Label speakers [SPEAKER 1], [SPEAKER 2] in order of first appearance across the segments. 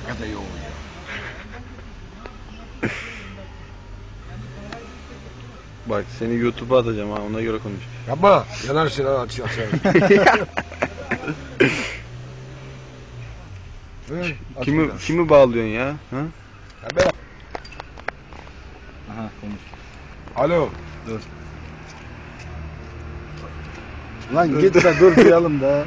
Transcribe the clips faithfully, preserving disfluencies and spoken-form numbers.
[SPEAKER 1] Hakikaten yoğun ya.
[SPEAKER 2] Bak seni YouTube'a atacağım ha, ona göre konuş.
[SPEAKER 1] Yapma. Yanarsın ha açıyor
[SPEAKER 2] Kimi kimi bağlıyorsun ya? Ha?
[SPEAKER 1] Ya ben...
[SPEAKER 2] Aha konuş.
[SPEAKER 1] Alo.
[SPEAKER 2] Dur. Lan dur. Git de dur duyalım da.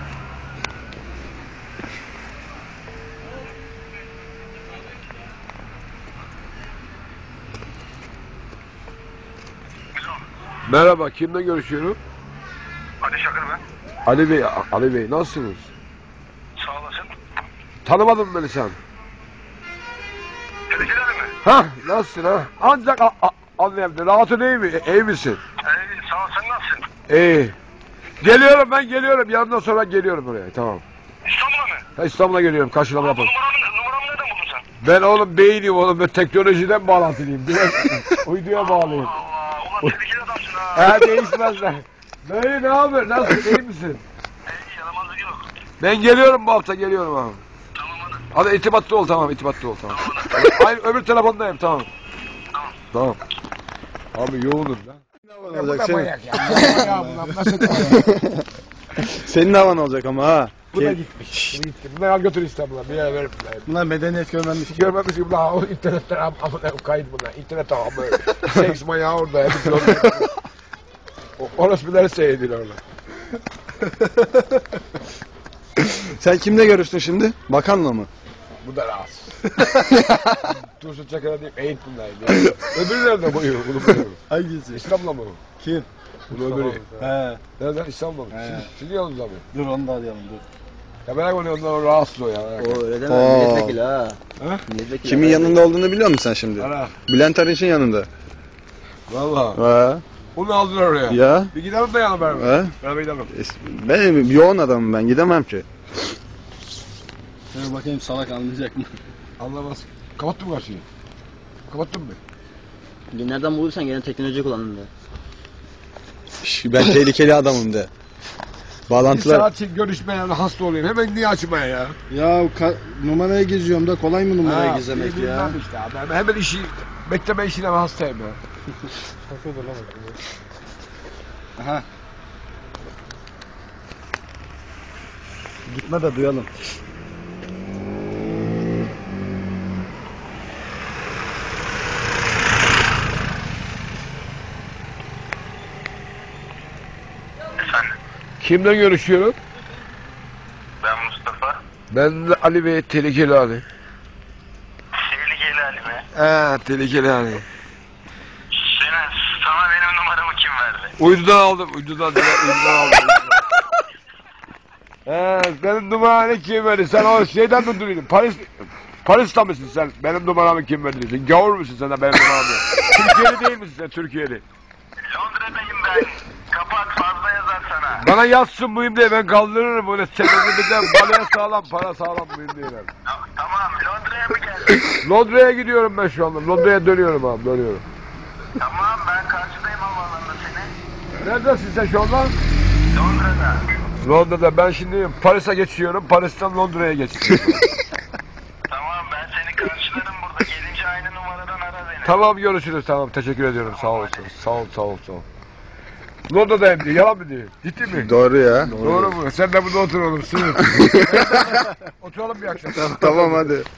[SPEAKER 1] Merhaba, kimle görüşüyorum?
[SPEAKER 3] Ali Şakır ben.
[SPEAKER 1] Ali Bey, Ali Bey nasılsınız?
[SPEAKER 3] Sağ olasın.
[SPEAKER 1] Tanımadın beni sen.
[SPEAKER 3] Tehlikeli mi?
[SPEAKER 1] Ha, nasılsın ha? Ancak a- a- anlayabilirim. Rahatın iyi mi? İyi misin?
[SPEAKER 3] Ee, sağ ol, sen nasılsın?
[SPEAKER 1] İyi. Geliyorum ben geliyorum. Yarından sonra geliyorum oraya. Tamam.
[SPEAKER 3] İstanbul'a mı?
[SPEAKER 1] Ha, İstanbul'a geliyorum. Karşılama
[SPEAKER 3] Bu
[SPEAKER 1] yapalım.
[SPEAKER 3] numaramı, numaramı nereden buldun sen?
[SPEAKER 1] Ben oğlum beyniyim oğlum. Ben teknolojiden bağlantılıyım. Biraz uyduya bağlıyım.
[SPEAKER 3] Allah, ulan tehlikeli adamsın ha.
[SPEAKER 1] Ha değişmezler. Dayı ne haber? Nasılsın? İyi misin?
[SPEAKER 3] İyi, yaramazlık yok.
[SPEAKER 1] Ben geliyorum bu hafta geliyorum abi.
[SPEAKER 3] Tamam hadi.
[SPEAKER 1] Hadi itibatlı ol tamam itibatlı ol tamam. Hayır öbür telefondayım tamam.
[SPEAKER 3] Tamam.
[SPEAKER 1] Tamam. Abi yoğunum lan.
[SPEAKER 2] Ne olacak senin?
[SPEAKER 1] Ya bunlar nasıl ya?
[SPEAKER 2] Senin havan olacak ama ha.
[SPEAKER 1] Bu da
[SPEAKER 2] Gel.
[SPEAKER 1] gitmiş. Bu gitti. Bunları al götür İstanbul'a. Bir yere verip bunları.
[SPEAKER 2] Bunlar medeniyet görmemiş.
[SPEAKER 1] Görmemiş gibi bunlar o internetten amına kayıt bunlar. İnternet ağabey. Seks manyağı orada. Hep orada. O orospuları seyrediyorlar orada.
[SPEAKER 2] Sen kimle görüştün şimdi? Bakanla mı?
[SPEAKER 1] Bu da rahatsız. Turşu Çakır'a deyip eğit bunlar. Öbürü nerede boyu? Bunu buluyorum.
[SPEAKER 2] Hangisi?
[SPEAKER 1] İstanbul'a mı?
[SPEAKER 2] Kim?
[SPEAKER 1] Bunu öbürü.
[SPEAKER 2] He.
[SPEAKER 1] Nereden? İstanbul'a mı?
[SPEAKER 2] He.
[SPEAKER 1] Şimdi, şimdi yanımızda mı?
[SPEAKER 2] Dur onu da arayalım dur.
[SPEAKER 1] Ya merak ediyorum ondan rahatsız o ya.
[SPEAKER 4] O öyle deme,
[SPEAKER 2] Oo.
[SPEAKER 4] milletvekili ha.
[SPEAKER 1] Ha?
[SPEAKER 4] Milletvekili
[SPEAKER 2] Kimin
[SPEAKER 4] ha.
[SPEAKER 2] yanında olduğunu biliyor musun sen şimdi?
[SPEAKER 1] Ara.
[SPEAKER 2] Bülent Arınç'ın yanında.
[SPEAKER 1] Valla.
[SPEAKER 2] Ha.
[SPEAKER 1] Onu aldılar oraya.
[SPEAKER 2] Ya.
[SPEAKER 1] Bir gidelim de yanı beraber.
[SPEAKER 2] Ha.
[SPEAKER 1] Beraber gidelim.
[SPEAKER 2] Ben yoğun adamım ben gidemem ki.
[SPEAKER 4] Dur bakayım salak anlayacak mı?
[SPEAKER 1] Anlamaz. Kapattın mı karşıyı? Kapattın mı?
[SPEAKER 4] Nereden bulursan gene teknoloji kullandın da.
[SPEAKER 2] Şş, ben tehlikeli adamım de.
[SPEAKER 1] Bir
[SPEAKER 2] Bağlantılar...
[SPEAKER 1] saat için görüşmeye hasta olayım. Hemen niye açmaya ya?
[SPEAKER 2] Ya numaraya geziyorum da kolay mı numaraya
[SPEAKER 1] Ha,
[SPEAKER 2] gizlemek
[SPEAKER 1] bilmem
[SPEAKER 2] ya?
[SPEAKER 1] Işte abi. Ben hemen işi, bekleme işine ben hastayım ya.
[SPEAKER 2] Aha. Gitme de duyalım.
[SPEAKER 3] Efendim,
[SPEAKER 1] Kimle görüşüyorum?
[SPEAKER 3] ben Mustafa.
[SPEAKER 1] Ben de Ali Bey, tehlikeli Ali.
[SPEAKER 3] Tehlikeli Ali mi?
[SPEAKER 1] He, tehlikeli Ali.
[SPEAKER 3] Senin, sana benim numaramı kim verdi?
[SPEAKER 1] Uydudan aldım, uydudan, uydudan aldım. He, benim numaramı kim verdi? Sen o şeyden mi duruyorsun? Paris, Paris'ta mısın sen? Benim numaramı kim verdi? Sen gavur musun sen de benim numaramı? Türkiye'li değil misin sen, Türkiye'li?
[SPEAKER 3] Londra'dayım ben. Kapat, fazla yazar sana.
[SPEAKER 1] Bana yazsın mıyım diye ben kaldırırım öyle sebebini de balaya sağlam, para sağlam mıyım diye ben.
[SPEAKER 3] Ta- Tamam, Londra'ya mı geldin?
[SPEAKER 1] Londra'ya gidiyorum ben şu anda. Londra'ya dönüyorum abi, dönüyorum.
[SPEAKER 3] Tamam, ben karşıdayım havaalanında seni.
[SPEAKER 1] Neredesin sen şu anda?
[SPEAKER 3] Londra'da.
[SPEAKER 1] Londra'da. Ben şimdi Paris'e geçiyorum. Paris'ten Londra'ya geçiyorum.
[SPEAKER 3] Tamam, ben seni karşılarım burada. Gelince aynı numaradan ara beni.
[SPEAKER 1] Tamam görüşürüz. Tamam teşekkür ediyorum. Sağ olasın. Sağ ol, sağ ol, sağ ol. Londra'dayım diye. Yalan mı diyor? Ciddi mi?
[SPEAKER 2] Doğru ya.
[SPEAKER 1] Doğru mu? Sen de burada otur oğlum. Sınıf. Oturalım bir akşam.
[SPEAKER 2] Tamam hadi.